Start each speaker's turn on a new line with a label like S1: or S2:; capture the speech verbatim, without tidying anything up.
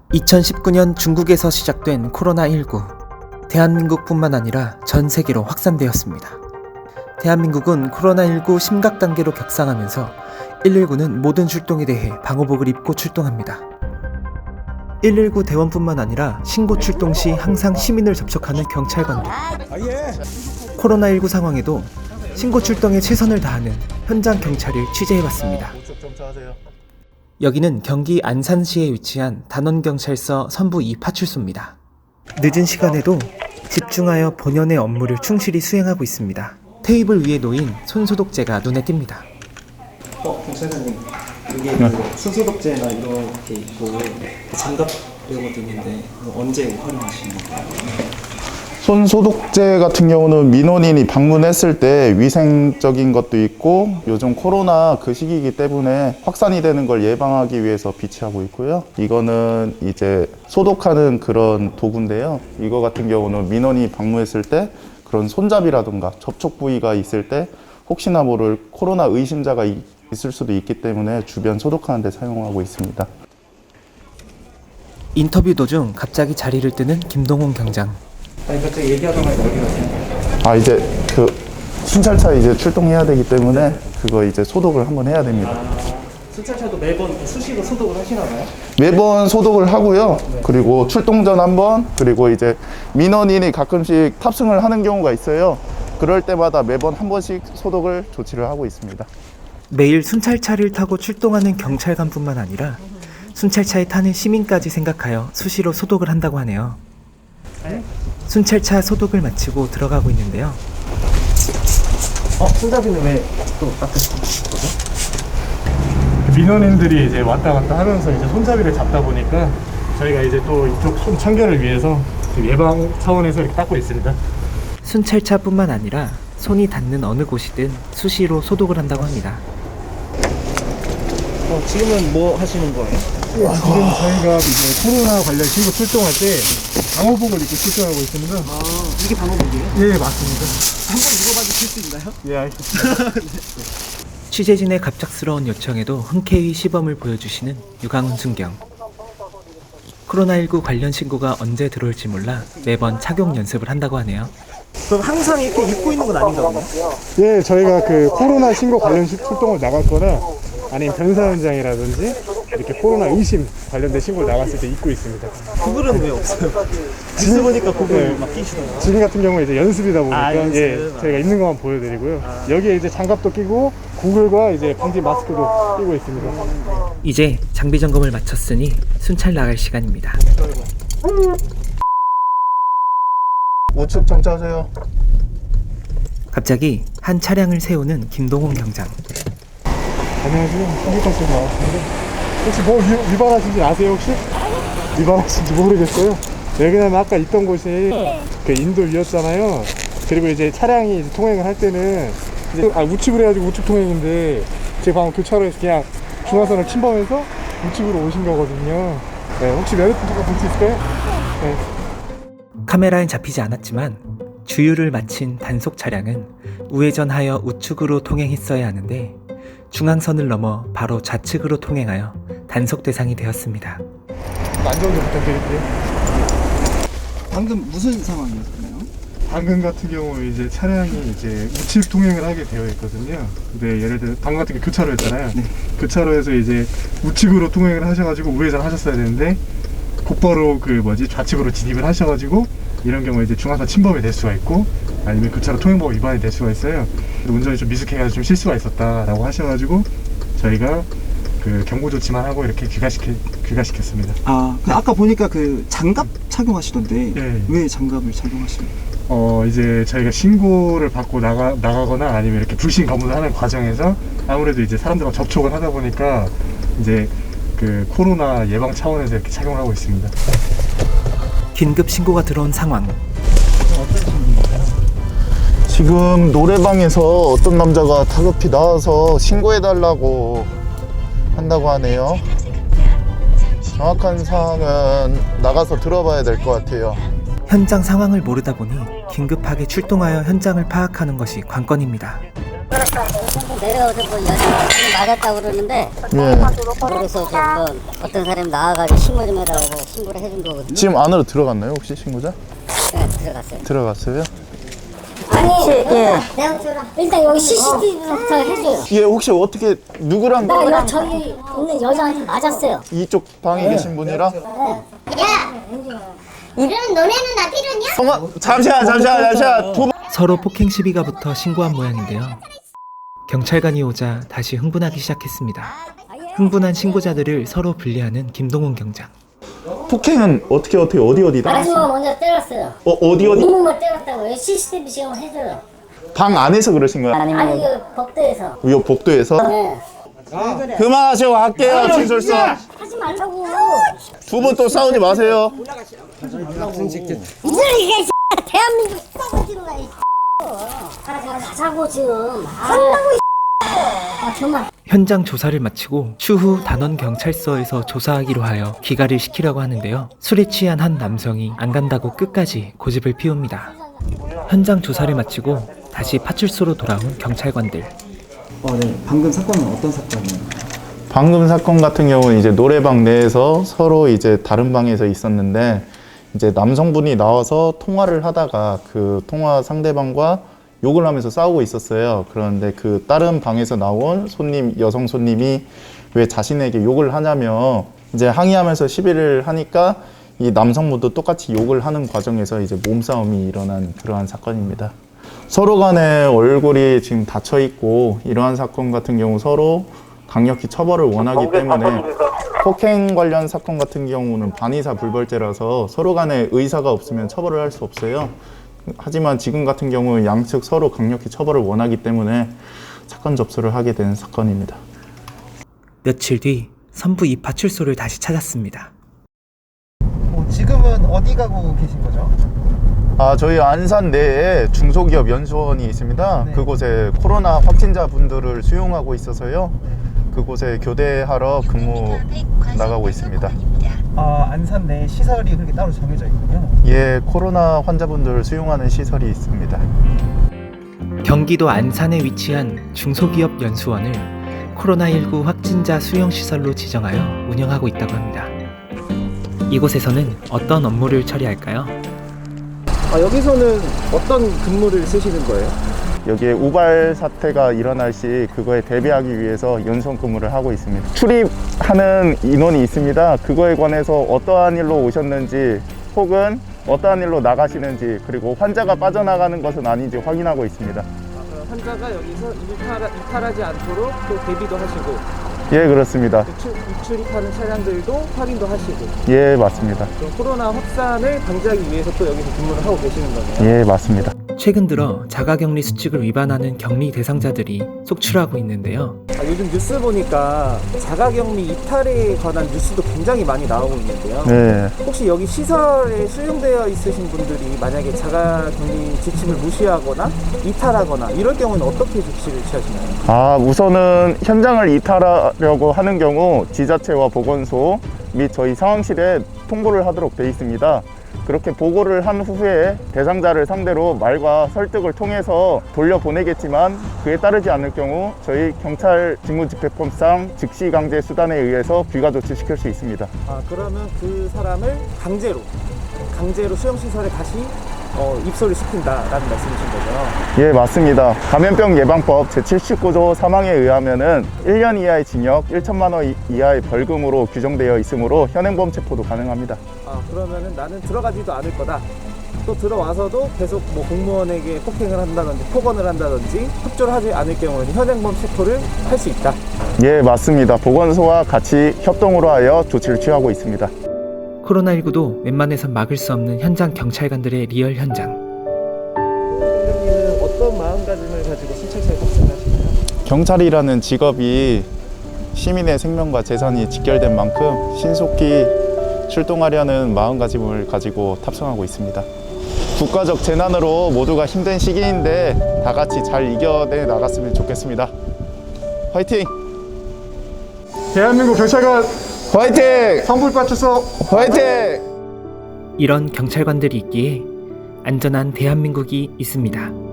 S1: 이천십구 년 중국에서 시작된 코로나십구. 대한민국뿐만 아니라 전 세계로 확산되었습니다. 대한민국은 코로나십구 심각 단계로 격상하면서 일일구는 모든 출동에 대해 방호복을 입고 출동합니다. 일일구 대원뿐만 아니라 신고 출동 시 항상 시민을 접촉하는 경찰관도, 코로나십구 상황에도 신고 출동에 최선을 다하는 현장 경찰을 취재해봤습니다. 여기는 경기 안산시에 위치한 단원경찰서 선부 이 파출소입니다. 늦은 시간에도 집중하여 본연의 업무를 충실히 수행하고 있습니다. 테이블 위에 놓인 손소독제가 눈에 띕니다. 어, 경찰관님, 여기 네. 그 손소독제나 이렇게 있고 장갑 이런 것도 있는데 언제 활용하시는 건가요?
S2: 손 소독제 같은 경우는 민원인이 방문했을 때 위생적인 것도 있고, 요즘 코로나 그 시기이기 때문에 확산이 되는 걸 예방하기 위해서 비치하고 있고요. 이거는 이제 소독하는 그런 도구인데요. 이거 같은 경우는 민원인이 방문했을 때 그런 손잡이라든가 접촉 부위가 있을 때 혹시나 모를 코로나 의심자가 있을 수도 있기 때문에 주변 소독하는 데 사용하고 있습니다.
S1: 인터뷰 도중 갑자기 자리를 뜨는 김동훈 경장. 아니 갑자기 얘기하다가 어디 가세요?
S2: 아 이제 그 순찰차 이제 출동해야 되기 때문에 그거 이제 소독을 한번 해야 됩니다.
S1: 아, 순찰차도 매번 수시로 소독을 하시나요?
S2: 매번 소독을 하고요. 네. 그리고 출동 전 한번, 그리고 이제 민원인이 가끔씩 탑승을 하는 경우가 있어요. 그럴 때마다 매번 한 번씩 소독을 조치를 하고 있습니다.
S1: 매일 순찰차를 타고 출동하는 경찰관뿐만 아니라 순찰차에 타는 시민까지 생각하여 수시로 소독을 한다고 하네요. 네? 순찰차 소독을 마치고 들어가고 있는데요. 어? 손잡이는 왜 또 닦으시는 거죠?
S3: 민원인들이 이제 왔다 갔다 하면서 이제 손잡이를 잡다 보니까 저희가 이제 또 이쪽 손 청결을 위해서 예방 차원에서 이렇게 닦고 있습니다.
S1: 순찰차뿐만 아니라 손이 닿는 어느 곳이든 수시로 소독을 한다고 합니다. 어, 지금은 뭐 하시는 거예요?
S3: 지금 저희가 이제 코로나 관련 신고 출동할 때 방호복을 입고 출동하고 있습니다.
S1: 아, 이게 방호복이에요?
S3: 예, 맞습니다.
S1: 한번 입어봐도 줄 수 있나요?
S3: 예, 알겠습니다.
S1: 취재진의 갑작스러운 요청에도 흔쾌히 시범을 보여주시는 유강훈 순경. 코로나십구 관련 신고가 언제 들어올지 몰라 매번 착용 연습을 한다고 하네요. 그럼 항상 이렇게 입고 있는 건 아닌가 보네요?
S3: 예, 저희가 그 코로나 신고 관련 출동을 나갈 거나 아니면 변사 현장이라든지 이렇게 코로나 의심 관련된 신고를 나갔을 때 입고 있습니다.
S1: 구글은 왜 없어요? 뉴스 보니까 구글
S3: 네.
S1: 막 끼시더라고요.
S3: 지금 같은 경우는 이제 연습이다 보니까
S1: 아, 연습.
S3: 예, 저희가 입는 것만 보여드리고요. 아. 여기에 이제 장갑도 끼고 구글과 이제 방지 마스크도 끼고 있습니다.
S1: 이제 장비 점검을 마쳤으니 순찰 나갈 시간입니다.
S2: 우측 정차하세요.
S1: 갑자기 한 차량을 세우는 김동훈 경장.
S3: 안녕하세요. 신기탄 나왔습니다. 혹시 뭐 위, 위반하신지 아세요 혹시? 위반하신지 모르겠어요. 왜냐면 아까 있던 곳이 그 인도위였잖아요. 그리고 이제 차량이 이제 통행을 할 때는 이제 아, 우측으로 해가지고 우측 통행인데 제가 방금 교차로에서 그냥 중앙선을 침범해서 우측으로 오신 거거든요. 네, 혹시 면허증 잠깐 볼 수 있을까요? 네.
S1: 카메라엔 잡히지 않았지만 주유를 마친 단속 차량은 우회전하여 우측으로 통행했어야 하는데 중앙선을 넘어 바로 좌측으로 통행하여 단속 대상이 되었습니다.
S3: 안전 좀 부탁드릴게요.
S4: 방금 무슨 상황이었나요?
S3: 방금 같은 경우 이제 차량이 이제 우측 통행을 하게 되어 있거든요. 근데 예를 들어 방금 같은 게 교차로였잖아요. 네. 교차로에서 이제 우측으로 통행을 하셔가지고 우회전 하셨어야 되는데 곧바로 그 뭐지 좌측으로 진입을 하셔가지고 이런 경우에 이제 중앙선 침범이 될 수가 있고 아니면 교차로 통행법 위반이 될 수가 있어요. 운전이 좀 미숙해가지고 좀 실수가 있었다라고 하셔가지고 저희가 그 경고 조치만 하고 이렇게 귀가시켜 귀가시켰습니다.
S4: 아, 그 아까 보니까 그 장갑 착용하시던데
S3: 네.
S4: 왜 장갑을 착용하시나요?
S3: 어 이제 저희가 신고를 받고 나가 나가거나 아니면 이렇게 불신 검문을 하는 과정에서 아무래도 이제 사람들과 접촉을 하다 보니까 이제 그 코로나 예방 차원에서 이렇게 착용을 하고 있습니다.
S1: 긴급 신고가 들어온 상황.
S2: 지금 노래방에서 어떤 남자가 다급히 나와서 신고해달라고 한다고 하네요. 정확한 사항은 나가서 들어봐야 될 것 같아요.
S1: 현장 상황을 모르다 보니 긴급하게 출동하여 현장을 파악하는 것이 관건입니다.
S5: 내려와서 뭐 여자 맞았다고 그러는데
S2: 예.
S5: 그래서 좀뭐 어떤 사람이 나와가지고 신고 좀 해달라고 신고를 해준 거거든요.
S2: 지금 안으로 들어갔나요 혹시 신고자?
S5: 네, 들어갔어요.
S2: 들어갔어요?
S5: 아니, 예. 일단 여기 씨씨티비부터 해줘요.
S2: 예, 혹시 어떻게 누구랑
S5: 나 여, 저기 있는 여자한테 맞았어요.
S2: 이쪽 방에 계신 분이랑
S6: 이러면 너네는 나 필요냐?
S2: 성아 잠시만 잠시만 잠시만 두 분.
S1: 서로 폭행 시비가 붙어 신고한 모양인데요. 경찰관이 오자 다시 흥분하기 시작했습니다. 흥분한 신고자들을 서로 분리하는 김동훈 경장.
S2: 폭행은 어떻게 어떻게 어디 어디다?
S5: 아줌마가 먼저 때렸어요.
S2: 어 어디 어디?
S5: 이놈을 때렸다고 씨씨티비 시험을 해줘요.
S2: 방 안에서 그러신 거야?
S5: 아니, 그 법대에서.
S2: 요 복도에서?
S5: 네.
S2: 그만하시고 할게요 진술서.
S5: 하지 말라고.
S2: 두 분 또 싸우지 마세요.
S5: 이들 이게 대한민국 싸가지는 거야. 아, 가자고 지금. 한다고 아, 정말.
S1: 현장 조사를 마치고 추후 단원 경찰서에서 조사하기로 하여 귀가를 시키려고 하는데요. 술에 취한 한 남성이 안 간다고 끝까지 고집을 피웁니다. 현장 조사를 마치고 다시 파출소로 돌아온 경찰관들.
S4: 어, 네. 방금 사건은 어떤 사건이에요?
S2: 방금 사건 같은 경우는 이제 노래방 내에서 서로 이제 다른 방에서 있었는데 이제 남성분이 나와서 통화를 하다가 그 통화 상대방과 욕을 하면서 싸우고 있었어요. 그런데 그 다른 방에서 나온 손님, 여성 손님이 왜 자신에게 욕을 하냐며 이제 항의하면서 시비를 하니까 이 남성분도 똑같이 욕을 하는 과정에서 이제 몸싸움이 일어난 그러한 사건입니다. 서로 간에 얼굴이 지금 닫혀 있고 이러한 사건 같은 경우 서로 강력히 처벌을 원하기 때문에 폭행 관련 사건 같은 경우는 반의사 불벌죄라서 서로 간에 의사가 없으면 처벌을 할 수 없어요. 하지만 지금 같은 경우는 양측 서로 강력히 처벌을 원하기 때문에 사건 접수를 하게 된 사건입니다.
S1: 며칠 뒤 선부 이 파출소를 다시 찾았습니다.
S7: 어, 지금은 어디 가고 계신 거죠?
S2: 아, 저희 안산 내에 중소기업 연수원이 있습니다.
S7: 네.
S2: 그곳에 코로나 확진자 분들을 수용하고 있어서요. 그곳에 교대하러 근무 나가고 있습니다.
S7: 아, 안산 내 시설이 그렇게 따로 정해져 있군요.
S2: 예, 코로나 환자분들을 수용하는 시설이 있습니다.
S1: 경기도 안산에 위치한 중소기업 연수원을 코로나십구 확진자 수용시설로 지정하여 운영하고 있다고 합니다. 이곳에서는 어떤 업무를 처리할까요?
S7: 아, 여기서는 어떤 근무를 쓰시는 거예요?
S2: 여기에 우발 사태가 일어날 시 그거에 대비하기 위해서 연수원 근무를 하고 있습니다. 출입하는 인원이 있습니다. 그거에 관해서 어떠한 일로 오셨는지 혹은 어떠한 일로 나가시는지 그리고 환자가 빠져나가는 것은 아닌지 확인하고 있습니다.
S8: 환자가 여기서 이탈하, 이탈하지 않도록 또 대비도 하시고
S2: 예, 그렇습니다.
S8: 출, 출입하는 차량들도 확인도 하시고
S2: 예, 맞습니다.
S8: 그럼 코로나 확산을 방지하기 위해서 또 여기서 근무를 하고 계시는 거네요.
S2: 예, 맞습니다.
S1: 최근 들어 자가격리 수칙을 위반하는 격리 대상자들이 속출하고 있는데요.
S8: 아, 요즘 뉴스 보니까 자가격리 이탈에 관한 뉴스도 굉장히 많이 나오고 있는데요.
S2: 네.
S8: 혹시 여기 시설에 수용되어 있으신 분들이 만약에 자가격리 지침을 무시하거나 이탈하거나 이럴 경우는 어떻게 조치를 취하시나요?
S2: 아, 우선은 현장을 이탈하려고 하는 경우 지자체와 보건소 및 저희 상황실에 통보를 하도록 되어 있습니다. 그렇게 보고를 한 후에 대상자를 상대로 말과 설득을 통해서 돌려보내겠지만 그에 따르지 않을 경우 저희 경찰 직무집행법상 즉시강제 수단에 의해서 귀가 조치시킬 수 있습니다.
S8: 아, 그러면 그 사람을 강제로 강제로 수용시설에 다시 어, 입소를 시킨다라는 말씀이신 거죠?
S2: 예, 맞습니다. 감염병 예방법 제칠십구 조 삼 항에 의하면은 일 년 이하의 징역, 천만 원 이하의 벌금으로 규정되어 있으므로 현행범 체포도 가능합니다.
S8: 아, 그러면은 나는 들어가지도 않을 거다. 또 들어와서도 계속 뭐 공무원에게 폭행을 한다든지 폭언을 한다든지 협조를 하지 않을 경우는 현행범 체포를 할 수 있다.
S2: 예, 맞습니다. 보건소와 같이 협동으로 하여 조치를 취하고 있습니다.
S1: 코로나십구도 웬만해선 막을 수 없는 현장 경찰관들의 리얼 현장.
S8: 선생님은 어떤 마음가짐을 가지고 순찰차에 탑승하시나요?
S2: 경찰이라는 직업이 시민의 생명과 재산이 직결된 만큼 신속히 출동하려는 마음가짐을 가지고 탑승하고 있습니다. 국가적 재난으로 모두가 힘든 시기인데 다 같이 잘 이겨내 나갔으면 좋겠습니다. 화이팅!
S3: 대한민국 경찰관
S2: 화이팅!
S3: 성불파출소
S2: 화이팅!
S1: 이런 경찰관들이 있기에 안전한 대한민국이 있습니다.